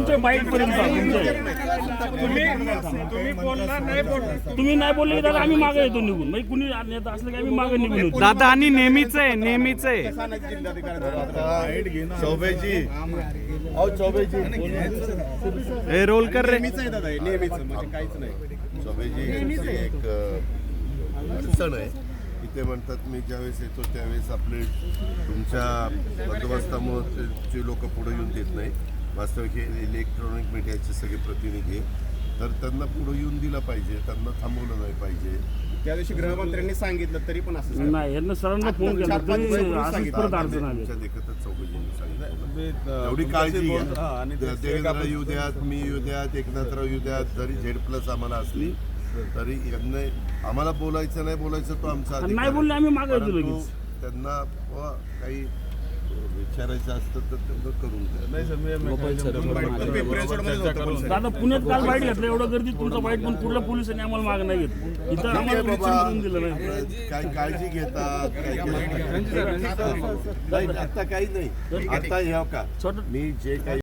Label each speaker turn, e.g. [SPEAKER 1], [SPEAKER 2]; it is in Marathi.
[SPEAKER 1] तुमच्या बाईक पर्यंत तुम्ही नाही बोलले की दादा आम्ही मागे येतो निघून, म्हणजे कुणी नेता असलं की आम्ही मागे निघून येतो.
[SPEAKER 2] दादा आणि नेहमीच आहे, नेहमीच आहे.
[SPEAKER 3] चौबेजी अहो चौबेजी
[SPEAKER 2] हे रोल कर रे.
[SPEAKER 3] चौबेजी एक अडचण आहे. इथे म्हणतात मी ज्यावेळेस येतो त्यावेळेस आपले तुमच्या बंदोबस्तामुळे जे लोक पुढे येऊन देत नाही. वास्तविक हे इलेक्ट्रॉनिक मीडियाचे सगळे प्रतिनिधी तर त्यांना पुढे येऊन दिलं पाहिजे, त्यांना थांबवलं नाही पाहिजे.
[SPEAKER 4] त्या दिवशी गृहमंत्र्यांनी सांगितलं तरी पण असं
[SPEAKER 1] नाही, यांना सरांना फोन केला तरी असंच परत अडचण आली.
[SPEAKER 3] तुमच्या देखतच चौघजींनी सांगितलं एवढी काळजी घ्या. देवेंद्र येऊ द्यात, मी येऊ द्यात, एकनाथराव येऊ द्यात, जरी Z+ आम्हाला असली तरी यांना आम्हाला बोलायचं नाही बोलायचं तो आमचा अधिकार
[SPEAKER 1] नाही बोलले आम्ही मागे येतो
[SPEAKER 3] परंतु
[SPEAKER 1] लगेच.
[SPEAKER 3] त्यांना काही विचारायचं असतं तर त्यांना करून द्या.
[SPEAKER 1] दादा पुण्यात काल बाईट घेतलं, एवढं गर्दी तुमचं बाईट पण कुठल्या पोलिसांनी आम्हाला मागे नाही घेतलं. इथं आम्हाला विचारून दिलं नाही.
[SPEAKER 3] काही काळजी घेतात काही आता काही नाही. आता हे का मी जे काही